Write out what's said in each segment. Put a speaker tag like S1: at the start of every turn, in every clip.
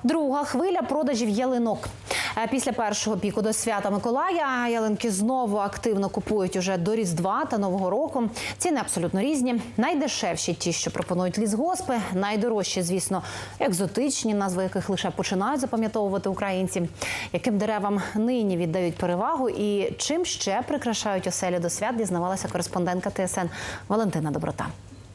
S1: Друга хвиля продажів ялинок. Після першого піку до свята Миколая ялинки знову активно купують уже до Різдва та Нового року. Ціни абсолютно різні. Найдешевші – ті, що пропонують лісгоспи. Найдорожчі, звісно, екзотичні, назви яких лише починають запам'ятовувати українці. Яким деревам нині віддають перевагу і чим ще прикрашають оселі до свят, дізнавалася кореспондентка ТСН Валентина Доброта.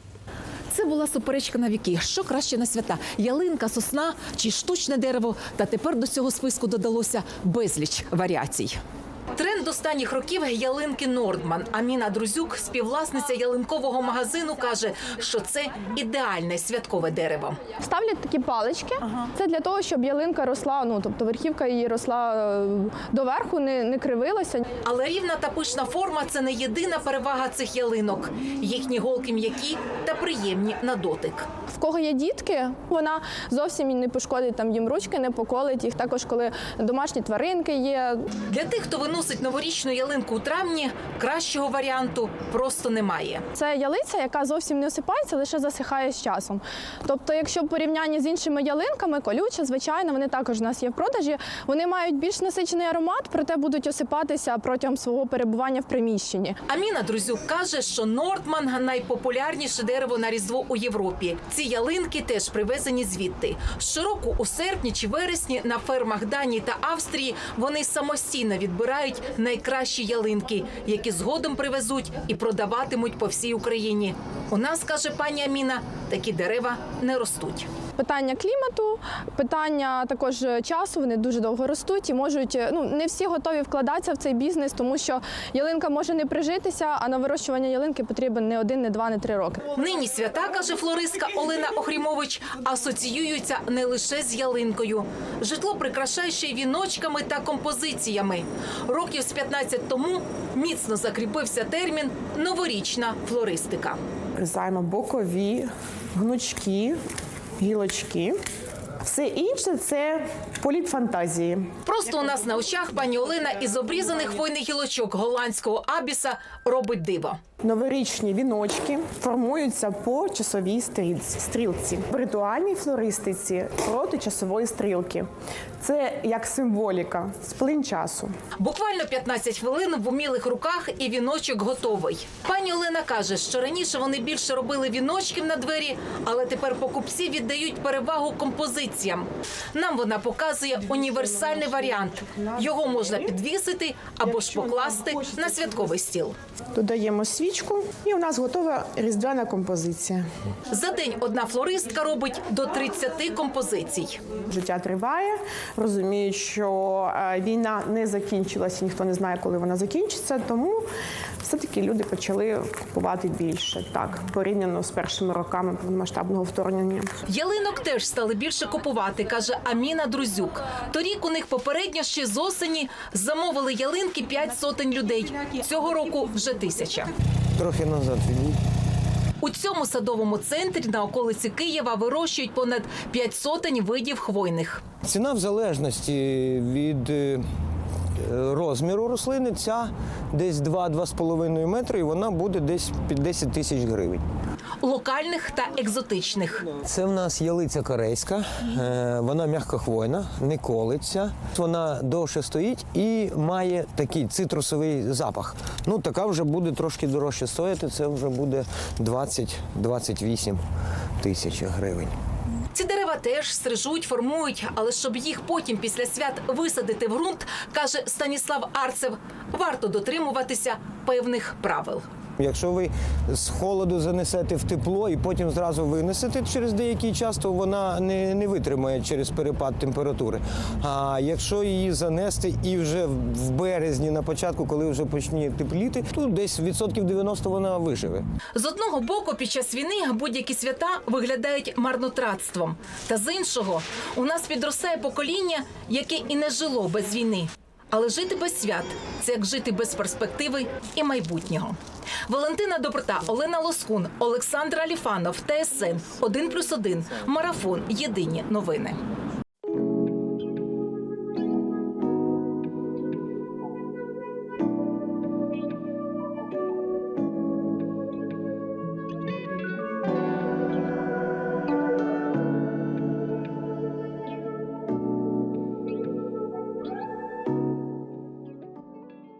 S2: Це була суперечка на віки. Що краще на свята? Ялинка, сосна чи штучне дерево? Та тепер до цього списку додалося безліч варіацій. Тренд останніх років – ялинки Нордман. Аміна Друзюк, співвласниця ялинкового магазину, каже, що це ідеальне святкове дерево.
S3: Ставлять такі палички. Це для того, щоб ялинка росла, тобто верхівка її росла доверху, не кривилася.
S2: Але рівна та пишна форма – це не єдина перевага цих ялинок. Їхні голки м'які та приємні на дотик.
S3: В кого є дітки, вона зовсім не пошкодить їм ручки, не поколить їх. Також, коли домашні тваринки є.
S2: Для тих, хто виносить новорічну ялинку у травні, кращого варіанту просто немає.
S3: Це ялиця, яка зовсім не осипається, лише засихає з часом. Тобто, якщо в порівнянні з іншими ялинками, колюча, звичайно, вони також у нас є в продажі, вони мають більш насичений аромат, проте будуть осипатися протягом свого перебування в приміщенні.
S2: Аміна Друзюк каже, що Нордман – найпопулярніше дерево на Різдво у Європі. Ці ялинки теж привезені звідти. Щороку у серпні чи вересні на фермах Данії та Австрії вони самостійно відбирають найкращі ялинки, які згодом привезуть і продаватимуть по всій Україні. У нас, каже пані Аміна, такі дерева не ростуть.
S3: Питання клімату, питання також часу, вони дуже довго ростуть і можуть, не всі готові вкладатися в цей бізнес, тому що ялинка може не прижитися, а на вирощування ялинки потрібен не 1, не 2, не 3 роки.
S2: Нині свята, каже флористка Олена Охрімович, асоціюються не лише з ялинкою. Житло прикрашає ще й віночками та композиціями. Років з 15 тому міцно закріпився термін «новорічна флористика».
S4: Вирізаємо бокові, гнучки, гілочки. Все інше – це політ фантазії.
S2: Просто у нас на очах пані Олена із обрізаних хвойних гілочок голландського абіса робить диво.
S4: Новорічні віночки формуються по часовій стрілці. В ритуальній флористиці проти часової стрілки. Це як символіка, сплин часу.
S2: Буквально 15 хвилин в умілих руках і віночок готовий. Пані Олена каже, що раніше вони більше робили віночків на двері, але тепер покупці віддають перевагу композиціям. Нам вона показує універсальний варіант. Його можна підвісити або ж покласти на святковий стіл.
S4: Додаємо свічку і у нас готова різдвяна композиція.
S2: За день одна флористка робить до 30 композицій.
S4: Життя триває, розуміють, що війна не закінчилася, ніхто не знає, коли вона закінчиться, тому все-таки люди почали купувати більше, так, порівняно з першими роками повномасштабного вторгнення.
S2: Ялинок теж стали більше купувати, каже Аміна Друзюк. Торік у них попередньо ще з осені замовили ялинки 500 людей. Цього року вже 1000.
S5: Трохи назад відійдіть.
S2: У цьому садовому центрі на околиці Києва вирощують понад 500 видів хвойних.
S5: Ціна в залежності від розміру рослини, ця десь 2-2,5 метри, і вона буде десь під 10 тисяч гривень.
S2: Локальних та екзотичних.
S5: Це в нас ялиця корейська, вона м'якохвойна, не колиться, вона довше стоїть і має такий цитрусовий запах. Така вже буде трошки дорожче стояти, це вже буде 20-28 тисяч гривень.
S2: Ці дерева теж стрижуть, формують, але щоб їх потім після свят висадити в ґрунт, каже Станіслав Арцев, варто дотримуватися певних правил.
S5: Якщо ви з холоду занесете в тепло і потім зразу винесете через деякий час, то вона не витримає через перепад температури. А якщо її занести і вже в березні на початку, коли вже почне тепліти, то десь 90% вона виживе.
S2: З одного боку, під час війни будь-які свята виглядають марнотратством. Та з іншого, у нас підростає покоління, яке і не жило без війни. Але жити без свят – це як жити без перспективи і майбутнього. Валентина Доброта, Олена Лоскун, Олександр Аліфанов, ТСН 1+1, Марафон. Єдині новини.